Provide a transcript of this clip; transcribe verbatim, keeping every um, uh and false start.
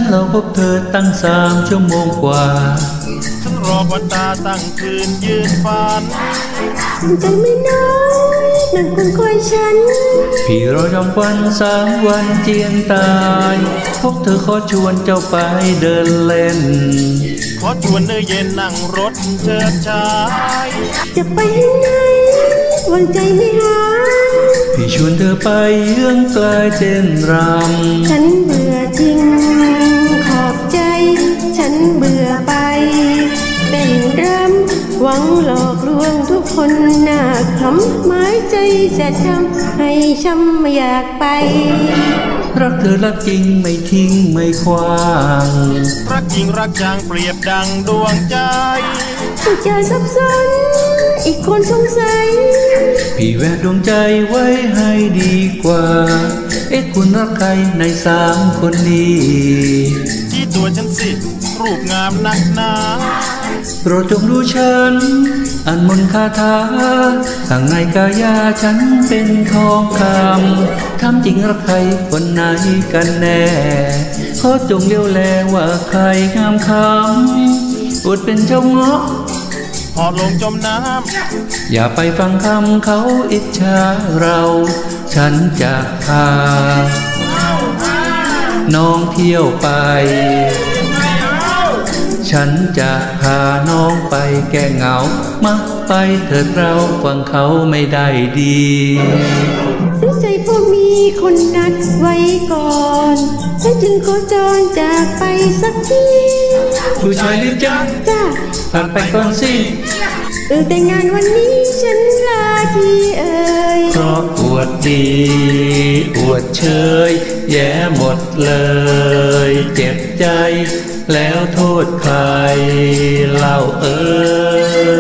รอพบเธอตั้งสามชั่วโมงกว่าฉันรอวันตาตั้งคืนยืนฝันใจไม่น้อยนั่นคนคอยฉันพี่รอจำวันสามวันเจียงตายพบเธอขอชวนเจ้าไปเดินเล่นขอชวนเธอเย็นนั่งรถเชิดชายจะไปให้ไหนวันใจไม่หายพี่ชวนเธอไปเยื้องกลายเต้นรำฉันเบื่อจริงขอบใจฉันเบื่อไปเต้นรำหวังหลอกลวงทุกคนหน้าคำหมายใจจะทำให้ช้ำไม่อยากไปรักเธอรักจริงไม่ทิ้งไม่ควางรักจริงรักจางเปรียบดังดวงใจผู้ใจสับสนอีกคนสงสัยพี่แวะดวงใจไว้ให้ดีกว่าเอ๊ะคุณรักใครในสามคนนี้ที่ตัวฉันสิรูปงามนักหนาโปรดจงดูฉันอันมนต์คาถาข้างในกายาฉันเป็นทองคำทำจริงรักใครคนไหนกันแน่ขอจงเลี้ยวแลว่าใครงามคำอดเป็นเจ้าเงาะพอลงจมน้ำอย่าไปฟังคำเขาอิจฉาเราฉันจะพาน้องเที่ยวไปฉันจะพาน้องไปแก้เหงามาไปเถิดเราฟังเขาไม่ได้ดีสงสัยพวกมีคนนัดไว้ก่อนฉันจึงขอจรจากไปสักทีผู้ชายรีบจ้าจ้าผ่านไปก่อนสิเออแต่งานวันนี้ฉันลาทีเอ่ยเพราะอวดดีอวดเชยแย่หมดเลยเจ็บใจแล้วโทษใครเล่าเอ่ย